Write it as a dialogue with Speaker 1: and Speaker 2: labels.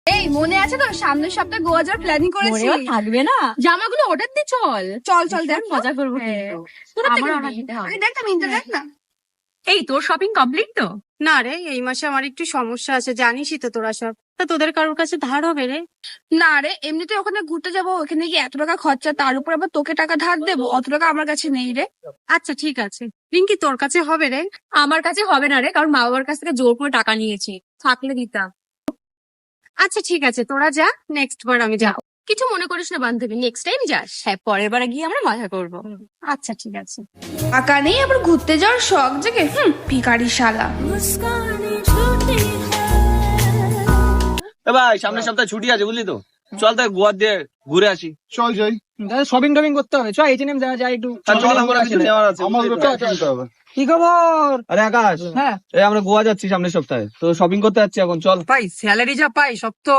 Speaker 1: এই মনে আছে তো সামনের সপ্তাহে গোয়া যাওয়ার প্ল্যানিং করেছি।
Speaker 2: থাকবে না,
Speaker 1: জামাগুলো অর্ডার দি চল চল চল দেখ
Speaker 2: মজা করবো
Speaker 1: হ্যাঁ।
Speaker 2: কিন্তু
Speaker 1: আমার অর্ডার দিতে হবে। দেখ না মিন্টু দেখ না।
Speaker 2: এই তোর শপিং কমপ্লিট তো?
Speaker 3: না রে, এই মাসে আমার একটু সমস্যা আছে, জানিসই তো তোরা সব। তা তোদের কারোর কাছে ধার হবে রে?
Speaker 1: না রে, এমনিতে ওখানে ঘুরতে যাবো, ওখানে গিয়ে এত টাকা খরচা, তার উপর আবার তোকে টাকা ধার দেবো, অত টাকা আমার কাছে নেই রে।
Speaker 3: আচ্ছা ঠিক আছে, রিঙ্কি তোর কাছে হবে রে?
Speaker 2: আমার কাছে হবে না রে, কারণ মা বাবার কাছ থেকে জোর করে টাকা নিয়েছি, থাকলে দিতাম।
Speaker 3: আচ্ছা ঠিক আছে, তোরা যা, নেক্সট বার আমি যাও।
Speaker 2: কিছু মনে করিস না বান্ধবী, নেক্সট টাইম যাস। হ্যাঁ, পরের বারে গিয়ে আমরা মজা করবো।
Speaker 3: আচ্ছা ঠিক আছে।
Speaker 1: টাকা নেই আবার ঘুরতে যাওয়ার শখ জেগে, ভিখারি শালা।
Speaker 4: এ ভাই সামনের সপ্তাহে ছুটি আছে বুঝলি তো, চল তাই গোয়া দিয়ে ঘুরে আসি।
Speaker 5: চল যাই,
Speaker 6: শপিং টপিং করতে হবে, চল এইচ&এম যাই একটু।
Speaker 4: আর চল আমার কিছু নেওয়ার আছে
Speaker 5: আমাদের
Speaker 4: বুঝলি তো?
Speaker 5: কিনতে হবে।
Speaker 6: কি খবর?
Speaker 4: আরে আকাশ,
Speaker 6: হ্যাঁ
Speaker 4: এই আমরা গোয়া যাচ্ছি সামনের সপ্তাহে, তো শপিং করতে যাচ্ছি এখন, চল।
Speaker 6: ভাই, স্যালারি যা পাই সব তো